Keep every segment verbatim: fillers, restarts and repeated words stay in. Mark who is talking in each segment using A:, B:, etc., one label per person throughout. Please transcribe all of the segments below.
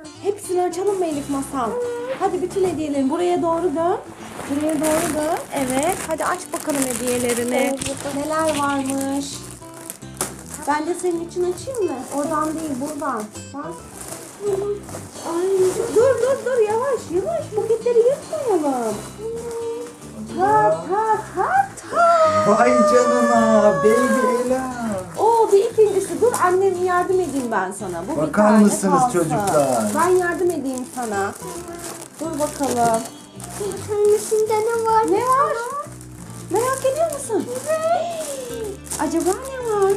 A: Hepsini açalım mı Elif Masal? Hadi bütün hediyelerini buraya doğru dön. Buraya doğru dön. Evet. Hadi aç bakalım hediyelerini. Neler varmış? Ben de senin için açayım mı? Oradan değil, buradan. Bak. Ay, dur dur dur yavaş yavaş. Paketleri yırtmayalım. Ha ha ha ha.
B: Vay canına Baby Ela.
A: Oo, bir ikincisi. Dur annem yardım edeyim ben sana. Bu bir
B: Bakar
A: tane
B: mısınız
A: kalsın.
B: çocuklar?
A: Ben yardım edeyim sana. Dur bakalım.
C: Bakalım içinde ne var?
A: Ne var? Merak ediyor musun? Acaba ne var?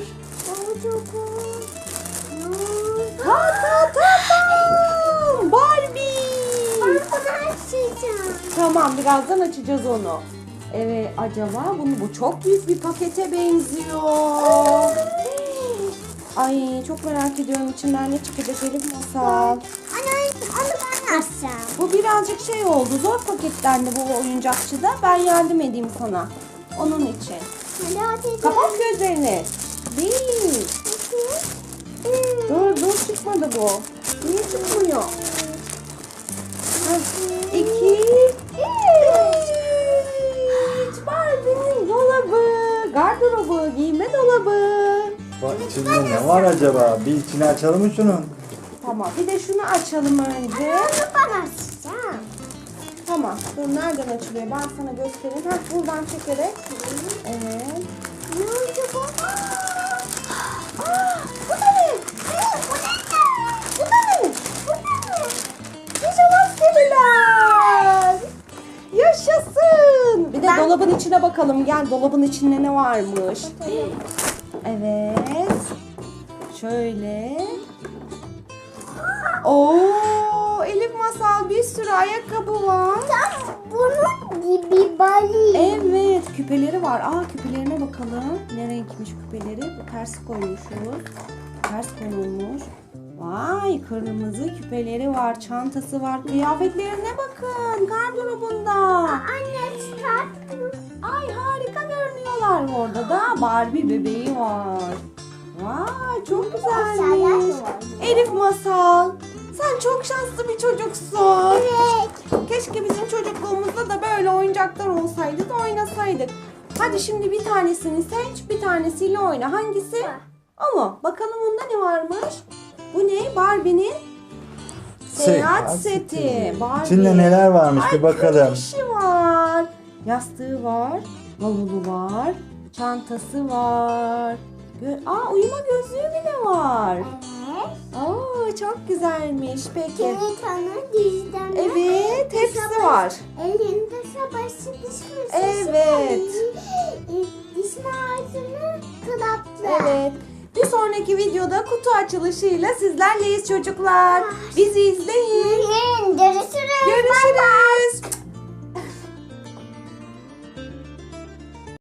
A: Ta ta ta ta! Barbie!
C: Ben bunu açacağım.
A: Tamam, birazdan açacağız onu. Evet, acaba bunu bu çok büyük bir pakete benziyor. Ay, çok merak ediyorum içinden ne çıkacak Elif Masal.
C: Anne onu ben açacağım.
A: Bu birazcık şey oldu. Zor paketlendi bu oyuncakçıda. Ben yardım edeyim sana. Onun için.
C: Hadi açacağım.
A: Kapat gözlerini. Bir. Dur dur çıkmadı bu. Niye çıkmıyor? Heh, İki. Üç. Barbie'nin dolabı. Gardırobu. Giyme dolabı.
B: Bak içinde ne var acaba? Bir içini açalım mı şunun?
A: Tamam. Bir de şunu açalım önce.
C: Onu ben açacağım.
A: Tamam. Dur nereden açılıyor? Ben sana göstereyim. Heh, buradan çekerek. Evet.
C: Ne oldu bu?
A: Aa, bu da ne?
C: Bu ne?
A: Bu da ne?
C: Bu ne?
A: Pijama seriler. Yaşasın. Bir de
C: Ben-
A: dolabın içine bakalım. Gel dolabın içinde ne varmış. Evet. Şöyle. Oo, Elif Masal bir sürü ayakkabı var.
C: Tam bunun gibi bali.
A: Evet, küpeleri var. Aa, küpelerine bakalım. Ne renkmiş küpeleri? Bu ters koymuşuz. Ters konulmuş. Vay, kırmızı küpeleri var, çantası var. Kıyafetlerine bakın, gardırobunda.
C: Anne çıkar.
A: Ay, harika görünüyorlar. Orada da Barbie bebeği var. Vay, çok güzelmiş. Elif Masal, sen çok şanslı bir çocuksun.
C: Evet.
A: Keşke bizim çocukluğumuzda da böyle oyuncaklar olsaydı da oynasaydık. Hadi şimdi bir tanesini seç, bir tanesiyle oyna. Hangisi? O mu? Bakalım onda ne varmış? Bu ne? Barbie'nin seyahat seti. Barbie.
B: İçinde neler varmış
A: Ay,
B: bir bakalım.
A: kreşi var. Yastığı var. Bavulu var. Çantası var. Gö- Aa, uyuma gözlüğü bile var.
C: Evet.
A: Aa, çok güzelmiş. Peki.
C: Şeytanın dizden.
A: Evet, hepsi var.
C: Elinde savaşı diş fırçası.
A: Evet.
C: Diş macunu kılaplı.
A: Evet. Bir sonraki videoda kutu açılışıyla sizlerleyiz çocuklar. Bizi izleyin.